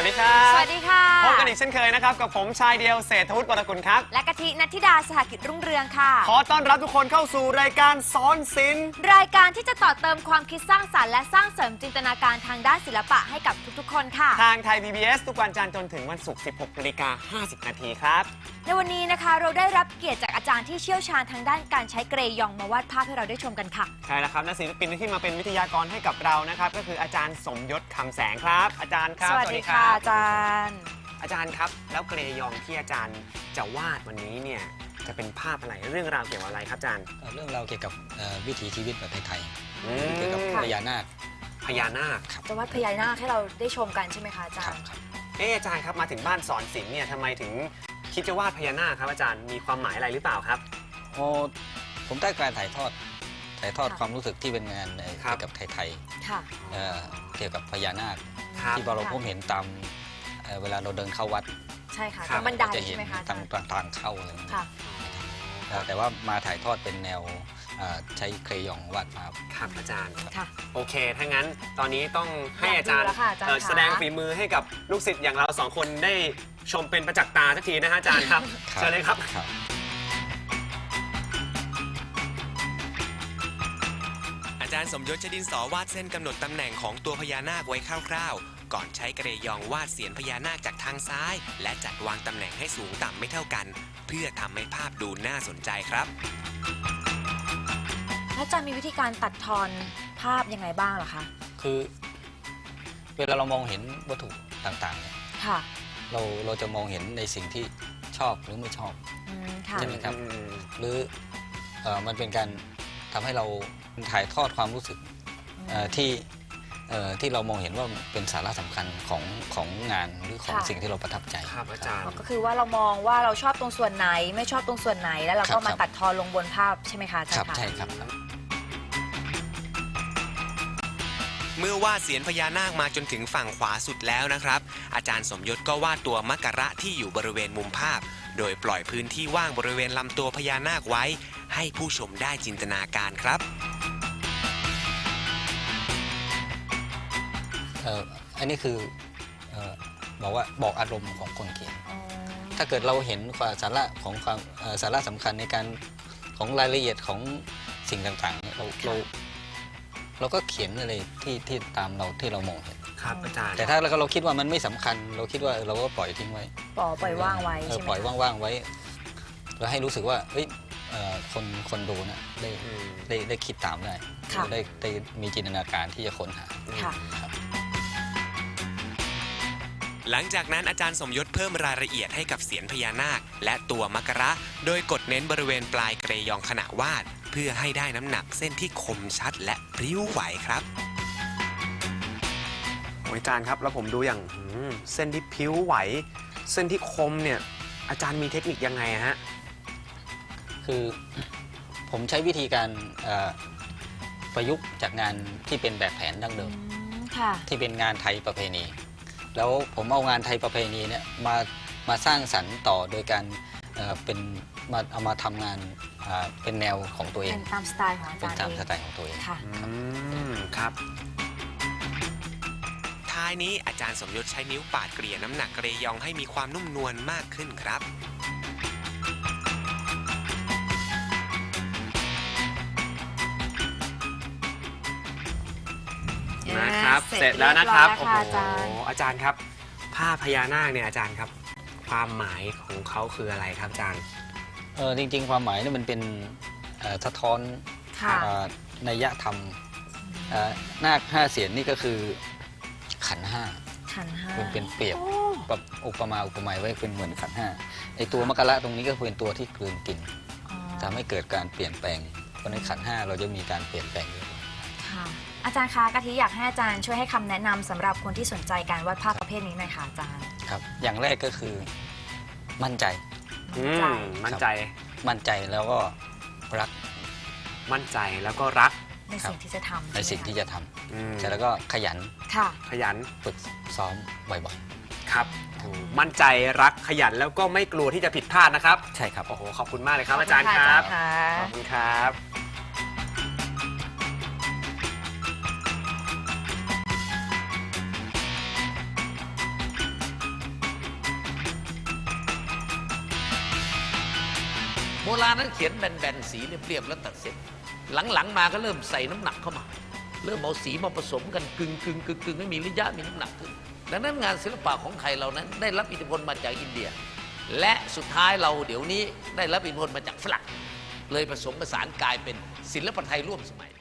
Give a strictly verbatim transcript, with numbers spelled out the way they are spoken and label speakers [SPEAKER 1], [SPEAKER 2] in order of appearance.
[SPEAKER 1] วัสดีครับ
[SPEAKER 2] สวัสดีค่ะ
[SPEAKER 1] พบกันอีกเช่นเคยนะครับกับผมชายเดียวเศรษฐวุฒิวรกุลครับ
[SPEAKER 2] และกะทินัทธิดาสหกิจรุ่งเรืองค่ะ
[SPEAKER 1] ขอต้อนรับทุกคนเข้าสู่รายการสอนศิลป์
[SPEAKER 2] รายการที่จะต่อเติมความคิดสร้างสรรค์และสร้างเสริมจินตนาการทางด้านศิลปะให้กับทุกๆคนค่ะ
[SPEAKER 1] ทางไทย พี บี เอส ทุกวันจันทร์จนถึงวันศุกร์ สิบหกนาฬิกาห้าสิบนาทีครับ
[SPEAKER 2] ในวันนี้นะคะเราได้รับเกียรติจากอาจารย์ที่เชี่ยวชาญทางด้านการใช้เกรยองมาวาดภาพให้เราได้ชมกันค่ะ
[SPEAKER 1] ใช่แล้วครับและศิลปินที่มาเป็นวิทยากรให้กับเรานะครับก็คืออาจารย์สมยศคำแสงครับอาจารย์ครับ
[SPEAKER 2] สวัสดีค่ะอาจารย์
[SPEAKER 1] อาจารย์ครับแล้วเกรยองที่อาจารย์จะวาดวันนี้เนี่ยจะเป็นภาพอะไรเรื่องราวเกี่ยวกับอะไรครับอาจารย์
[SPEAKER 3] เรื่องราวเกี่ยวกับวิถีชีวิตแบบไทยๆเกี่ยวกับพญานาค
[SPEAKER 1] พญานาค
[SPEAKER 2] จะวาดพญานาคให้เราได้ชมกันใช่ไหมคะอาจารย์
[SPEAKER 1] เอออาจารย์ครับมาถึงบ้านสอนศิลป์เนี่ยทำไมถึงคิดจะวาดพญานาคครับอาจารย์มีความหมายอะไรหรือเปล่าครับ
[SPEAKER 3] โอ้ผมได้การถ่ายทอดถ่ายทอดความรู้สึกที่เป็นงานเกี่ยวกับไทยๆเกี่ยวกับพญานาคที่เราพบเห็นตามเวลาเราเดินเข้าวัด
[SPEAKER 2] ใช่ค่ะตามบันไดใช่ไหมคะ
[SPEAKER 3] ทางทางเข้าอะไรแต่ว่ามาถ่ายทอดเป็นแนวใช้เครยองวาดภาพ
[SPEAKER 1] ครับอาจารย์โอเคถ้างั้นตอนนี้ต้องให้อาจารย์แสดงฝีมือให้กับลูกศิษย์อย่างเราสองคนได้ชมเป็นประจักษ์ตาสักทีนะฮะอาจารย์ครับเชิญเลยครับ
[SPEAKER 4] อาจารย์สมยศใช้ดินสอวาดเส้นกำหนดตำแหน่งของตัวพญานาคไว้คร่าวๆก่อนใช้เกรยองวาดเสียนพญานาคจากทางซ้ายและจัดวางตำแหน่งให้สูงต่ำไม่เท่ากันเพื่อทำให้ภาพดูน่าสนใจครับ
[SPEAKER 2] อาจารย์มีวิธีการตัดทอนภาพยังไงบ้างเหรอคะ
[SPEAKER 3] คือเวลาเรามองเห็นวัตถุต่างๆเนี่ยเราเราจะมองเห็นในสิ่งที่ชอบหรือไม่ชอบใช่ไหมครับหรือมันเป็นการทำให้เราถ่ายทอดความรู้สึกที่ที่เรามองเห็นว่าเป็นสาระสำคัญของของงานหรือของสิ่งที่เราประทับใจ
[SPEAKER 1] ครับอาจารย์
[SPEAKER 2] ก็คือว่าเรามองว่าเราชอบตรงส่วนไหนไม่ชอบตรงส่วนไหนแล้วเราก็มาตัดทอนลงบนภาพใช่ไหมคะอาจารย์
[SPEAKER 3] ใช่ครับ
[SPEAKER 4] เมื่อวาดเสียนพญานาคมาจนถึงฝั่งขวาสุดแล้วนะครับอาจารย์สมยศก็วาดตัวมักกะที่อยู่บริเวณมุมภาพโดยปล่อยพื้นที่ว่างบริเวณลำตัวพญานาคไว้ให้ผู้ชมได้จินตนาการครับ
[SPEAKER 3] อันนี้คือบอกว่าบอกอารมณ์ของคนเขียนถ้าเกิดเราเห็นความสาระของความสาระสำคัญในการของรายละเอียดของสิ่งต่างๆเราเราเราก็เขียนอะไรที่ที่ตามเราที่เรามองเห็น
[SPEAKER 1] ครับอาจารย์
[SPEAKER 3] แต่ถ้าเราเราคิดว่ามันไม่สำคัญเราคิดว่าเราก็ปล่อยทิ้งไว้
[SPEAKER 2] ปล่อยปล่อยว่างไว้ใช่ไหม
[SPEAKER 3] ปล่อยว่างๆไว้เราให้รู้สึกว่าเฮ้ยคนคนดูนะได้ได้ได้คิดตามได้ได้ได้มีจินตนาการที่จะค้นหา
[SPEAKER 4] หลังจากนั้นอาจารย์สมยศเพิ่มรายละเอียดให้กับเสียนพญานาคและตัวมักกะโดยกดเน้นบริเวณปลายเกรยองขณะวาดเพื่อให้ได้น้ำหนักเส้นที่คมชัดและพริ้วไหวครับ
[SPEAKER 1] อาจารย์ครับแล้วผมดูอย่างเส้นที่พริ้วไหวเส้นที่คมเนี่ยอาจารย์มีเทคนิคยังไงฮะ
[SPEAKER 3] คือผมใช้วิธีการประยุกต์จากงานที่เป็นแบบแผนดั้งเดิมที่เป็นงานไทยประเพณีแล้วผมเอางานไทยประเพณีเนี่ยมามาสร้างสรรค์ต่อโดยการเป็นมาเอามาทำงานเป็นแนวของตัวเอง
[SPEAKER 2] เป็นตามสไตล์ของอาจารย์
[SPEAKER 3] เป็นตามสไตล์ของตัวเอง
[SPEAKER 2] ค่ะ
[SPEAKER 1] ครับ
[SPEAKER 4] ท้ายนี้อาจารย์สมยศใช้นิ้วปาดเกลี่ยน้ำหนักเกรยองให้มีความนุ่มนวลมากขึ้นครับ
[SPEAKER 1] นะครับเสร็จแล้วนะครับโอ้โหอาจารย์ครับภาพพญานาคเนี่ยอาจารย์ครับความหมายของเขาคืออะไรครับอาจารย์
[SPEAKER 3] เออจริงๆความหมายนี่มันเป็นสะท้อนนัยธรรมนาคห้าเสียนนี่ก็คือขันห้า
[SPEAKER 2] ขันห้า
[SPEAKER 3] เป็นเปรียบแบบอุปมาอุปไมยไว้เป็นเหมือนขันห้าไอตัวมักกะตรงนี้ก็เป็นตัวที่กลืนกินทำให้เกิดการเปลี่ยนแปลงเพราะในขันห้าเราจะมีการเปลี่ยนแปลง
[SPEAKER 2] ค่ะอาจารย์คะกะทิอยากให้อาจารย์ช่วยให้คำแนะนำสำหรับคนที่สนใจการวาดภาพประเภทนี้หน่อยค่ะอาจารย์
[SPEAKER 3] ครับอย่างแรกก็คือมั่นใจ
[SPEAKER 1] มั่นใจ
[SPEAKER 3] มั่นใจแล้วก็รัก
[SPEAKER 1] มั่นใจแล้วก็รัก
[SPEAKER 2] ในสิ่งที่จะทำ
[SPEAKER 3] ในสิ่งที่จะทำแล้วก็ขยัน
[SPEAKER 2] ค่ะ
[SPEAKER 1] ขยัน
[SPEAKER 3] ฝึกซ้อมบ่อย
[SPEAKER 1] ๆครับมั่นใจรักขยันแล้วก็ไม่กลัวที่จะผิดพลาดนะครับ
[SPEAKER 3] ใช่ครับ
[SPEAKER 1] โอ้โหขอบคุณมากเลยครับอาจารย์ครับขอบคุณครับ
[SPEAKER 5] โบราณนั้นเขียนแบนๆสีเรียบๆแล้วตัดเสร็จหลังๆมาก็เริ่มใส่น้ำหนักเข้ามาเริ่มเอาสีมาผสมกันกึ่งกึ่งกึ่งกึ่งให้มีระยะมีน้ำหนักขึ้นดังนั้นงานศิลปะของไทยเรานั้นได้รับอิทธิพลมาจากอินเดียและสุดท้ายเราเดี๋ยวนี้ได้รับอิทธิพลมาจากฝรั่งเลยผสมผสานกลายเป็นศิลปะไทยร่วมสมัย